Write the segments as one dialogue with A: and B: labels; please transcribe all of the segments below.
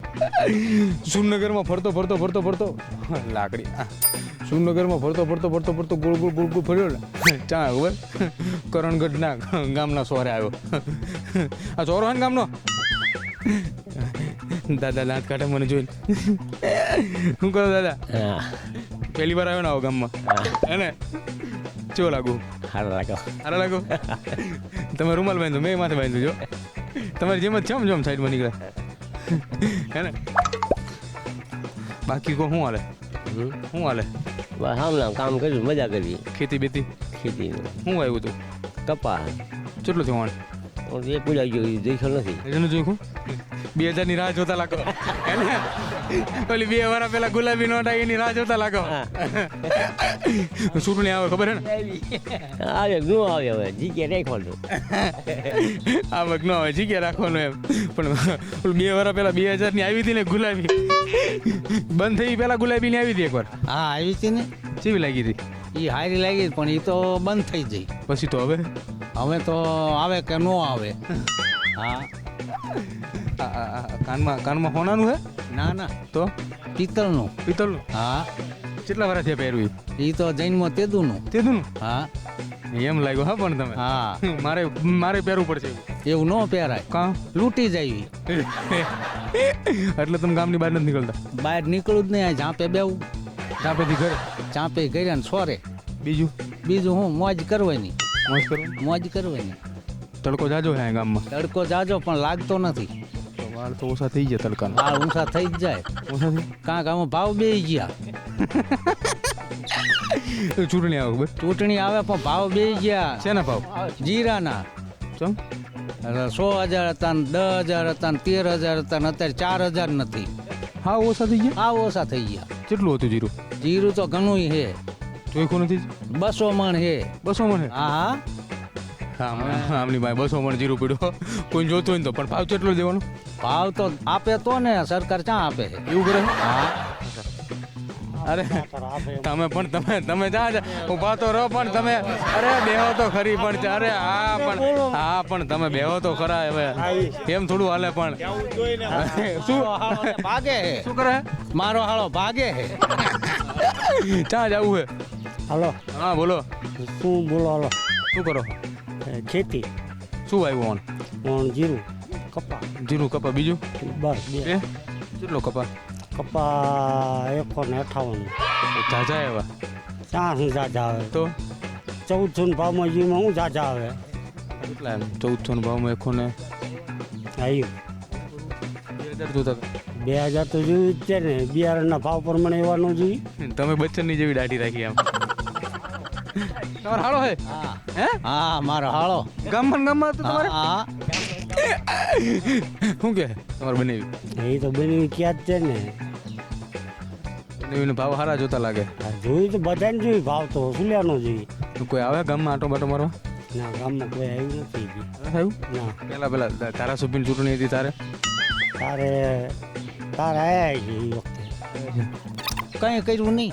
A: સુરનગરમાં ફરતો લાકડી સુરનગરમાં ફરતો ગોળ ગોળ ફર્યો ને ચા ખબર કરણગઢના ગામના સોરે આવ્યો. આ ચોરો હે ને ગામનો. દાદા દાંત કાઢે મને જોઈને. શું કરો દાદા? પહેલી વાર આવ્યો ને આવો ગામમાં હે ને? કેવો લાગુ? સારા લાગો. તમે રૂમાલ બાંધો, મેં માથે બાંધ્યું જો. તમારી જેમ જ જમ સાઈડમાં નીકળે હે ને? બાકી કો શું હાલે?
B: બસ કામ કર્યું, મજા કરી.
A: ખેતી બેતી શું આવ્યું તું?
B: કપા
A: કેટલું થયું?
B: એ પૂજા ગયો જોઈશું નથી.
A: એનું જોયું 2000 ની રાહ જોતા લાગો હે ને? ઓલી 2 વર્ષ પહેલા ગુલાબી નોટ આવી એની રાહ જોતા લાગો. ચૂંટણી આવે ખબર હે ને?
B: આવે ન આવે હવે જીકે રાખવાનું.
A: આવક ન આવે જીકે રાખવાનું એમ. પણ 2 વર્ષ પહેલા 2000 ની આવી હતી ને ગુલાબી, બંધ થઈ પહેલા ગુલાબી ની આવી હતી એકવાર.
C: હા આવી હતી ને.
A: કેવી લાગી હતી?
C: એ હારી લાગી પણ એ તો બંધ થઈ જઈ.
A: પછી તો હવે
C: તો આવે કે ન આવે. હા
A: કાનમાં હોનાનું હે?
C: ના
A: તો
C: પિત્તળનું. હા
A: કેટલા વર્ષ થયા પહેરવી?
C: એ તો જૈનમાં તેદુનું. હા
A: એમ લાગ્યું હા. પણ તમે
C: હા
A: મારે પહેરવું પડશે
C: એવું ન પહેરાય.
A: કાં
C: લૂંટી જાય.
A: એટલે તમે ગામની બહાર નથી નીકળતા?
C: બહાર નીકળું જ નહીં. ઝાંપે બેવું,
A: ચાપેથી ઘરે,
C: ચાંપે કર્યા ને સોરે.
A: બીજું
C: હું મોજ કરવાની.
A: મોજ કરવાની. તડકો જાજો હે ગામમાં?
C: તડકો જાજો પણ લાગતો નથી.
A: વાળ તો ઓછા થઈ ગયા તડકાના.
C: વાળ ઊંચા થઈ જ જાય. કાંક આમાં ભાવ બેસી ગયા.
A: ચૂંટણી આવે ખબર?
C: ચૂંટણી આવે પણ ભાવ બેસી ગયા.
A: શેના ભાવ?
C: જીરાના.
A: ચમ
C: 100,000 હતા ને 10,000 હતા ને 13,000 હતા ને અત્યારે 4,000 નથી.
A: હા ઓછા થઈ ગયા.
C: હા ઓછા થઈ ગયા.
A: કેટલું હતું જીરું?
C: જીરું તો ઘણું હે.
A: ચોખ્ખું નથી?
C: 200 મણ હે.
A: 200 મણ હે?
C: હા
A: આમની ભાઈ 200 મણ જીરું પડ્યું. કોઈ જોતું હોય ને તો. પણ ભાવ કેટલો દેવાનો?
C: ભાવ તો આપે તો ને સરકાર ક્યાં આપે?
A: એવું કરે?
C: હા
A: અરે તમે જા ઉભા તો રહો. પણ તમે અરે બેહો તો ખરી. પણ અરે હા પણ તમે બેહો તો ખરા. હવે એમ થોડું હાલે. પણ શું
C: ભાગે હે?
A: શું કરે?
C: મારો હાળો ભાગે હે.
A: ક્યાં જવું હે?
B: હાલો.
A: હા બોલો.
B: શું બોલો? હાલો.
A: શું કરો?
B: ખેતી.
A: શું આવ્યું?
B: જીરું
A: કપા. બીજું?
B: બસ
A: કેટલો કપા?
B: કપા 158.
A: જાજા એવા?
B: ક્યાં શું જાજા આવે?
A: તો
B: 1400 ભાવમાં જીમાં શું જાજા આવે?
A: કેટલા એમ? 1400 ભાવમાં 100
B: આવ્યું
A: 2000 જોતા?
B: 2000 તો જોયું જ છે ને. બિયારણના ભાવ પ્રમાણે એવા ન જોઈ.
A: તમે બચ્ચનની જેવી દાઢી રાખી આમ. તમારો હાળો હે? હે?
C: હા મારો હાળો.
A: ગામમાં તો તમારે
C: હા
A: શું કે તમારે બનાવી?
B: એ તો બની ક્યાં જ છે ને.
A: બનાવીને ભાવ સારા જોતા લાગે.
B: જોયું તો બધાને જોયું. ભાવ તો સુલ્યાનો જોઈ.
A: કોઈ આવે ગામમાં આટો બાટો મારવા?
B: ના ગામમાં કોઈ આવ્યું નથી.
A: આવ્યું?
B: ના
A: પેલા ધારાસભ્યની ચૂંટણી હતી તારે
B: આયા છે એ વખતે.
C: કઈ કર્યું નહીં.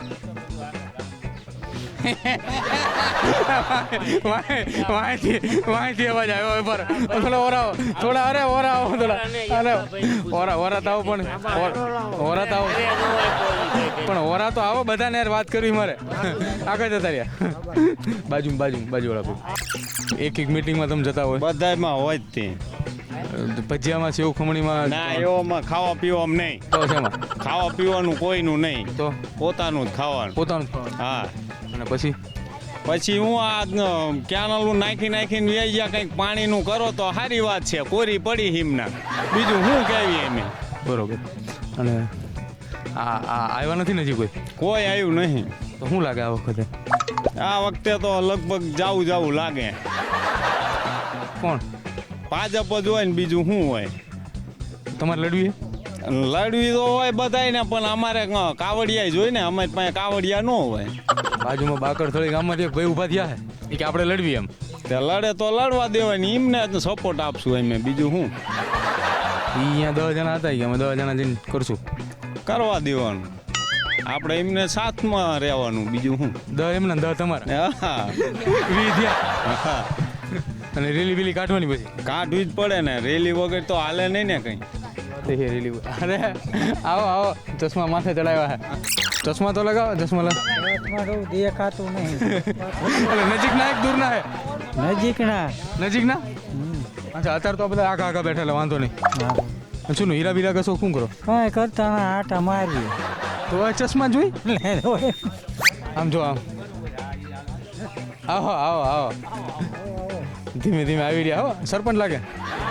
A: વાંચી અવાજ આવ્યો પર ઓરાવો થોડા. અરે ઓરાવો થોડા. અરે ઓરા તો આવો. પણ ઓરા તો આવો. પણ ઓરા તો આવો. બધાને યાર વાત કરવી મારે. આગળ જતા રહ્યા. બાજુ વાળા એક મીટિંગમાં તમે જતા હોય?
D: બધામાં હોય જ તે.
A: ભજીયામાં સેવ ખમણીમાં
D: ના એવામાં ખાવા પીવામાં નહીં.
A: તો શેમાં?
D: ખાવા પીવાનું કોઈનું નહીં.
A: તો
D: પોતાનું જ ખાવાનું. હા.
A: અને પછી
D: હું આ કેનાલું નાખીને વ્યાઈ ગયા. કંઈક પાણીનું કરો તો સારી વાત છે. કોરી પડી હિમના. બીજું શું કહેવી એમ?
A: બરોબર. અને આવ્યા નથી ને હજી
D: કોઈ આવ્યું નહીં.
A: તો શું લાગે આ વખતે?
D: આ વખતે તો લગભગ જાવું લાગે.
A: કોણ?
D: ભાજપ જ હોય ને બીજું શું હોય?
A: તમારે લડવી?
D: લડવી તો હોય બધાને. પણ અમારે કાવડિયા જોઈ ને. અમારી પાસે કાવડિયા ન હોય.
A: બાજુમાં બાકરથળી ગામમાંથી એક ભાઈ ઉભા થયા છે કે આપણે લડવી એમ.
D: તે લડે તો લડવા દેવાની. એમને સપોર્ટ આપશું અમે. બીજું શું?
A: અહીંયા 10 જણા હતા કે અમે 10 જણા જઈને કરશું.
D: કરવા દેવાનું. આપણે એમને સાથમાં રહેવાનું. બીજું શું?
A: 10 એમને 10 તમારે?
D: હા
A: 20 થયા.
D: હા.
A: અને રેલી કાઢવાની પછી
D: કાઢવી જ પડે ને. રેલી વગર તો હાલે નહીં ને કંઈ.
A: તેરી અરે આવો આવો ચશ્મા માથે ચડાવ્યા હે ચશ્મા તો લગાવો ચશ્મા લગાવો
C: દેખાતું નહીં
A: નજીક ના એક દૂર ના હે
C: નજીક ના
A: નજીક ના અચ્છા અત્યારે તો આ બધા આગા આગા બેઠેલા વાંધો નહીં શું હીરા બીરા કશો શું કરો
C: કાંઈ કરતા ના આટા મારી
A: તો આ ચશ્મા જોઈ આમ જો આમ આવો આવો આવો ધીમે ધીમે આવી રહ્યા હો સરપંચ લાગે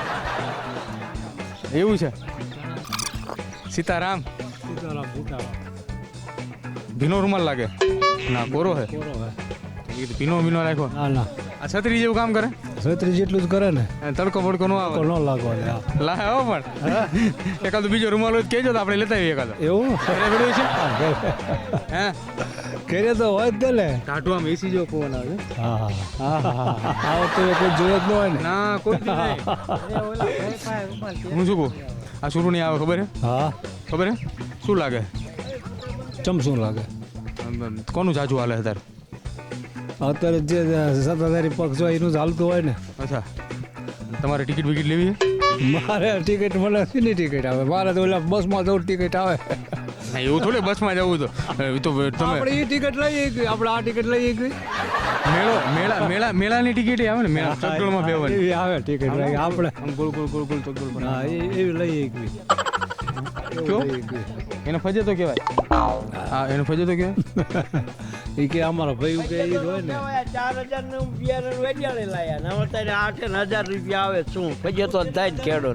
A: એવું છે સીતારામ ભીનો રૂમાલ લાગે ના કોરો હે ભીનો ભીનો રાખ્યો
B: ના ના
A: આ છત્રી જેવું કામ કરે
B: છત્રી જેટલું જ કરે ને
A: તડકો બડકો ન આવે
B: ન લાગવા દે
A: લાહે હો પણ એકાદો બીજો રૂમાલ હોય તો કહેજો તો આપણે લેતા આવીએ એકાદો
B: એવું
A: ઘરે પડ્યું છે હે
B: કરે તો હોય જ ને
A: ટાટુ આમ એસી જેવો પવન આવે છે
B: હા આવો તો કોઈ જોયો જ ન હોય ને
A: ના કોઈ નહીં હું શું કહું આ શુરુ નહીં આવે ખબર હે
B: હા
A: ખબર હે શું લાગે
B: ચમ શું લાગે
A: કોનું જાજુ હાલે અત્યારે
B: અત્યારે જે સત્તાધારી પક્ષ હોય એનું ચાલતું હોય ને
A: અચ્છા તમારે ટિકિટ વિકિટ લેવી છે
B: મારે ટિકિટ મને શીની ટિકિટ આવે મારે તો ઓલા બસમાં જવું ટિકિટ આવે
A: ના એવું થોડી બસમાં જવું તો એ તો તમે
B: આપણે એ ટિકિટ લઈએ ગઈ આપણે આ ટિકિટ લઈએ ગઈ
A: મેળાની ટિકિટ આવે ને મેળા ચકડોળમાં બેવાની
B: એવી આવે ટિકિટ લઈએ આપણે
A: આમ ગોળ ગોળ ગોળ ગોળ ચકડોળ પર
B: હા એવી લઈએ ગઈ
A: કયો એને ફજે તો કહેવાય હા એને ફજે તો કહેવાય
B: એ કે અમારા ભાઈ કે એ હોય ને
E: 4,000 નું બિયારણ વેચાણે લાયા ને અત્યારે 8,000 રૂપિયા આવે શું પછી તો થાય જ ખેડો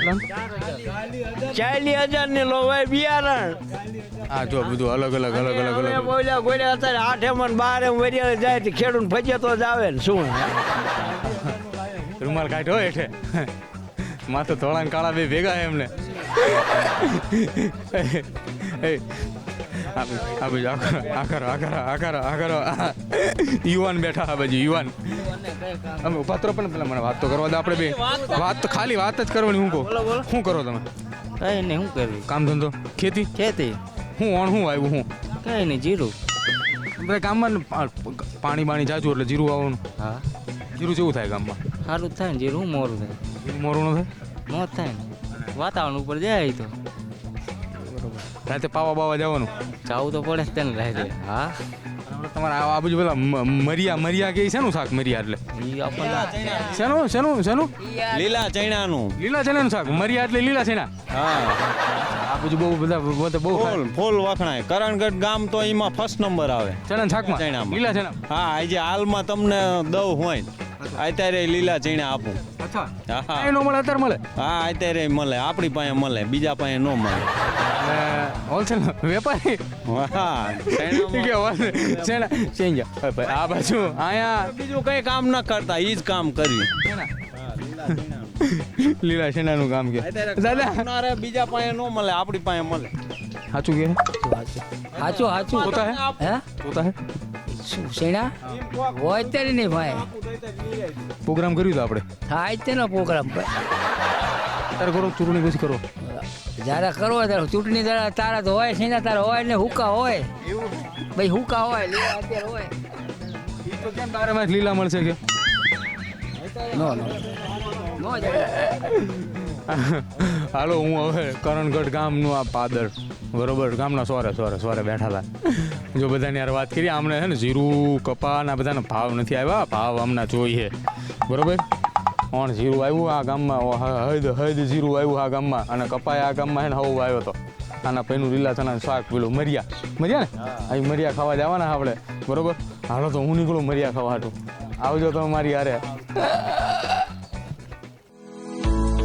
E: 40,000 ની લોવાય બિયારણ
A: હા જો બધું અલગ અલગ અલગ અલગ
E: હવે
A: અલગ
E: બોલ્યા ગોળ્યા અત્યારે 8 માં 12 વેચાણે જાય તો ખેડૂત ફજે તો જ આવે ને શું
A: રૂમાલ કાઢ્યો એટલે માથે ધોળા ને કાળા બે ભેગા હે એમને આ બાજુ આખરો યુવાન બેઠા આ બાજુ યુવાન અમે પાત્રો પણ પેલા મને વાત તો કરવા દે આપણે બે વાત તો ખાલી વાત જ કરવાની હું કહું શું કરો તમે
C: કઈ નહીં શું કરવી
A: કામ ધંધો ખેતી
C: ખેતી
A: હું આવ્યું હું
C: કઈ નહીં જીરું
A: બધા ગામમાં પાણી બાણી જાજુ એટલે જીરું આવવાનું
C: હા
A: જીરું જેવું થાય ગામમાં
C: સારું જ થાય ને જીરું મોરું થાય
A: જીરું મોરું ન થાય
C: મોત થાય ને વાતાવરણ ઉપર જાય તો
A: રાતે પાવા બાવા જવાનું
C: જવું તો પડે જ તેને રહે હા
A: તમારે આ બાજુ પેલા મરિયા કે શેનું શાક મરિયા એટલે
C: એ આપણને
A: શેનું
D: લીલા ચણાનું
A: લીલા ચણાનું શાક મરિયા એટલે લીલા ચણા
D: હા
A: આ બાજુ બહુ બધા બહુ
D: ફૂલ વખણાય કરણગઢ ગામ તો એમાં ફર્સ્ટ નંબર આવે
A: ચણા શાકમાં
D: ચણામાં.
A: લીલા ચણા
D: હા આજે હાલમાં તમને દવ હોય અત્યારે લીલા ચણા આપું
A: અચ્છા
D: હા
A: એ નો મળે અત્યારે મળે
D: હા અત્યારે મળે આપણી પાસે મળે બીજા પાસે ન મળે
A: હોલસેલ વેપારી
D: હા ચણામાં
A: કે ચણા ચેન્જ આ બાજુ આયા
D: બીજું કઈ કામ ન કરતા એ જ કામ કર્યું
A: લીલા ચણાનું કામ કે દાદા
D: બીજા પાસે ન મળે આપણી પાસે મળે
A: સાચું કે
C: સાચું સાચું
A: પોતા હે
C: હે
A: પોતા હે
C: શું શેણા હોય અત્યારે નહીં ભાઈ
A: પ્રોગ્રામ કર્યું તો આપણે
C: થાય જ તેનો પ્રોગ્રામ
A: ત્યારે કરો ચૂંટણી પછી કરો
C: જ્યારે કરવો ત્યારે ચૂંટણી તારા તો હોય શેના તારા હોય ને હુકા હોય ભાઈ હુકા હોય લીલા અત્યારે હોય
A: તો કેમ તારે માં લીલા મળશે કે
C: નો નો નો જાય
A: હાલો હું હવે કરણગઢ ગામનું આ પાદર બરોબર ગામના સોરે બેઠા હતા જો બધાની યાર વાત કરીએ આમને છે ને જીરું કપાના બધાના ભાવ નથી આવ્યા ભાવ હમણાં જોઈએ બરોબર ઓણ જીરું આવ્યું આ ગામમાં હદ જીરું આવ્યું આ ગામમાં અને કપાય આ ગામમાં છે ને હવું આવ્યો હતો આના પૈનું લીલા ચણાનું શાક પેલું મરિયા ને અહીં મરિયા ખાવા જવાના આપણે બરોબર હાલો તો હું નીકળું મરિયા ખાવા હાટું આવજો તમે મારી હારે